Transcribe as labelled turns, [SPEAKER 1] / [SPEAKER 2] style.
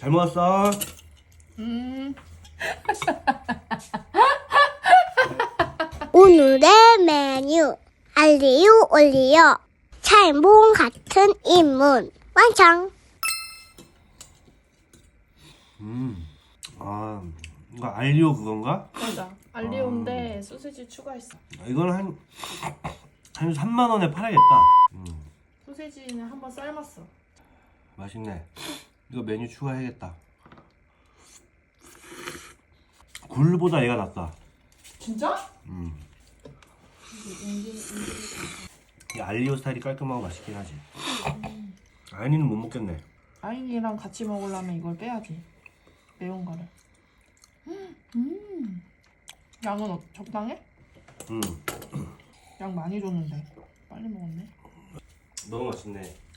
[SPEAKER 1] 잘 먹었어.
[SPEAKER 2] 오늘의 메뉴 알리오 올리오 찰몽 같은 인문 완성.
[SPEAKER 1] 아, 이거 알리오 그건가?
[SPEAKER 3] 맞아. 알리오인데 소세지 추가했어.
[SPEAKER 1] 이건 한 3만 원에 팔아야겠다.
[SPEAKER 3] 소세지는 한번 삶았어.
[SPEAKER 1] 맛있네. 이거 메뉴 추가해야겠다. 굴보다 얘가 낫다.
[SPEAKER 3] 진짜?
[SPEAKER 1] 이 알리오 스타일이 깔끔하고 맛있긴 하지. 아연이는 못 먹겠네.
[SPEAKER 3] 아인이랑 같이 먹으려면 이걸 빼야지. 매운 거를. 양은 적당해? 양 많이 줬는데 빨리 먹었네.
[SPEAKER 1] 너무 맛있네.